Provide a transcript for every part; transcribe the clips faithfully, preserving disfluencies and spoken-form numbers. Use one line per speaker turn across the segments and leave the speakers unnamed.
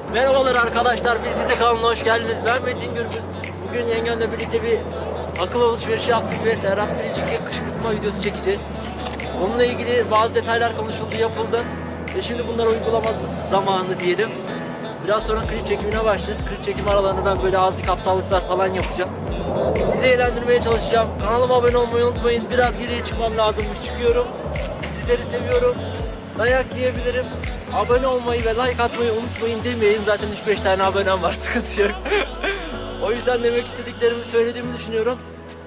Merhabalar arkadaşlar, biz bize kanalına hoş geldiniz. Ben Metin Gürbüz. Bugün yengemle birlikte bir akıl alışverişi yaptık ve Serhat Biricik'e kışkırtma videosu çekeceğiz. Onunla ilgili bazı detaylar konuşuldu, yapıldı. Ve şimdi bunları uygulama zamanı diyelim. Biraz sonra klip çekimine başlayacağız. Klip çekim aralarında ben böyle azıcık aptallıklar falan yapacağım. Sizi eğlendirmeye çalışacağım. Kanalıma abone olmayı unutmayın. Biraz geriye çıkmam lazımmış, çıkıyorum. Sizleri seviyorum. Dayak yiyebilirim. Abone olmayı ve like atmayı unutmayın demeyin. Zaten üç beş tane abonem var, sıkıntı yok. O yüzden demek istediklerimi söylediğimi düşünüyorum.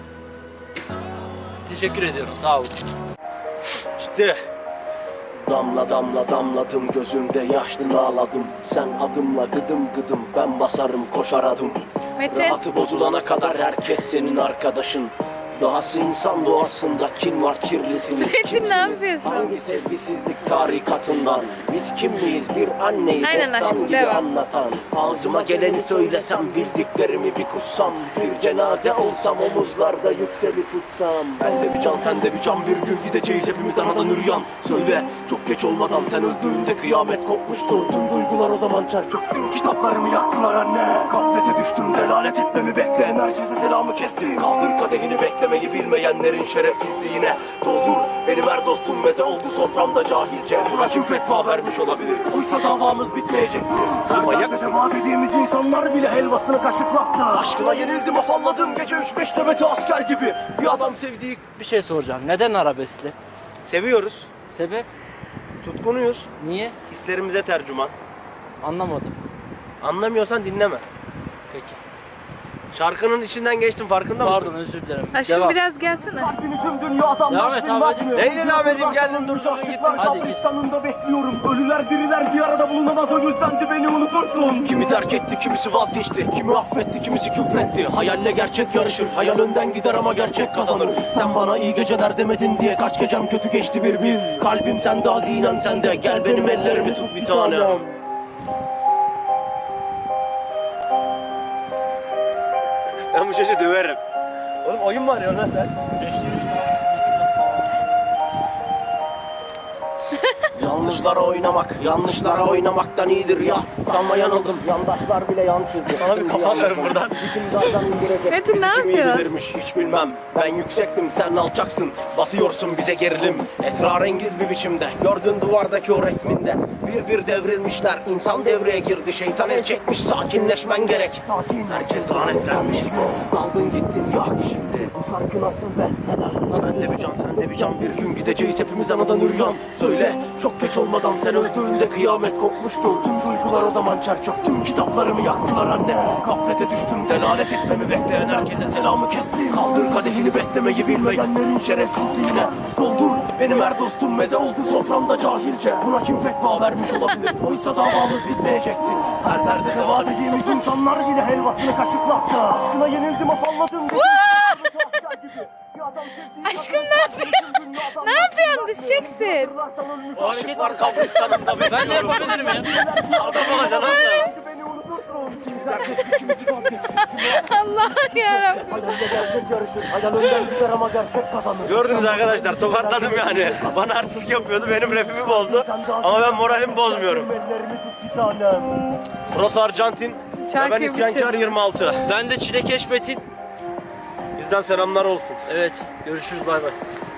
Teşekkür ediyorum, sağ olun.
İşte damla damla damladım, gözümde yaşlı ağladım. Sen adımla gıdım gıdım, ben basarım koşar adım.
Metin.
Rahatı bozulana kadar herkes senin arkadaşın. Dahası insan doğasında kin var, kirlisiniz.
Metin, ne yapıyorsun?
Hangi sevgisizlik tarikatından? Biz kim miyiz? Bir anneyi
Aynen
destan
aşkım,
gibi
devam.
anlatan. Ağzıma geleni söylesem, bildiklerimi bir kussam. Bir cenaze olsam, omuzlarda yükselip uçsam. Ben de bir can, sen de bir can, bir gün gideceğiz hepimiz anadan üryan. Söyle, çok geç olmadan sen öldüğünde kıyamet kopmuştur. Tüm duygular o zaman çer çöktü. Kitaplarımı yaktılar anne. Gaflete düştüm, delalet etmemi bekleyen herkese selamı kesti. Kaldır kadehini, beklemeyi bilmeyenlerin şerefsizliğine. Doldur, benim her dostum meze oldu soframda cahilce. Buna kim fetva vermiş olabilir? Oysa davamız bitmeyecektir. Manyak mısın? Dediğimiz insanlar bile helvasını kaşıklattı. Aşkına yenildim, afalladım gece üç beş nöbeti asker gibi. Bir adam sevdiği...
Bir şey soracağım. Neden arabeskle?
Seviyoruz,
Sebep?
tutkunuyuz,
Niye?
hislerimize tercüman.
Anlamadım.
Anlamıyorsan dinleme.
Peki.
Şarkının içinden geçtim, farkında mısın?
Pardon, özür dilerim.
Aşkım
Devam.
biraz gelsene.
Tüm dünya adam
Devam et abicim.
Neyle devam edeyim, geldim dur şunu gittim.
Hadi git.
Kabristanında bekliyorum. Ölüler diriler bir arada bulunamaz, o yüzden de beni unutursun. Kimi terk etti, kimisi vazgeçti, kimi affetti, kimisi küfretti. Hayalle gerçek yarışır, hayal önden gider ama gerçek kazanır. Sen bana iyi geceler demedin diye kaç gecem kötü geçti bir bil. Kalbim sende, hazinem sende, gel benim ellerimi tut bir tanem. Ben bu çocuğu döverim. Oğlum oyun var ya lan sen. Yanlışlara oynamak, yanlışlara oynamaktan iyidir ya. Sanma yanıldım, yandaşlar bile yan çizdi. Sana bir kafa verin buradan.
Metin, ne yapıyor?
Bilirmiş, hiç bilmem. Ben yüksektim, sen alçaksın. Basıyorsun bize gerilim, esrarengiz bir biçimde. Gördün duvardaki o resminde. Bir bir devrilmişler, insan devreye girdi. Şeytan el çekmiş, sakinleşmen gerek. Sakin, herkes lanetlenmiş. Daldın gittin, yak şimdi. Bu şarkı nasıl besteler? Ben de bir can, sen de bir can. Bir gün gideceğiz hepimiz anadan üryan. Söyle, çok geç olmadan sen öldüğünde kıyamet kopmuştur. Tüm duygular o zaman çer çöktüm. Kitaplarımı yaktılar anne. Gaflete düştüm, delalet etmemi bekleyen herkese selamı kesti. Kaldır kadehini, beklemeyi bilmeyenlerin şerefsizliğine. Doldur, benim her dostum meze oldu soframda cahilce. Buna kim fetva vermiş olabilir? Oysa davamız bitmeyecekti. Her derde deva dediğimiz insanlar bile helvasını kaşıklattı. Aşkına yenildim, afalladım.
Aşkım, ne yapıyorsun? Ne yapıyorsun? Düşeceksin.
O aşıklar kabristanında bekliyorum.
Ben de yapabilirim ya.
Adam olacaksın abi. Beni unutursun.
Allah'ım yarabbim.
Hayalde gerçek yarışır. Hayal önden gider ama gerçek kazanır. Gördünüz arkadaşlar, tokatladım yani. Bana artistik yapıyordu, benim rapimi bozdu. Ama ben moralimi bozmuyorum. Burası Arjantin.
Şarkıyı
Ben isyankar
bitir.
yirmi altı.
Ben de Çilekeş Metin.
Bizden selamlar olsun.
Evet, görüşürüz, bay bay.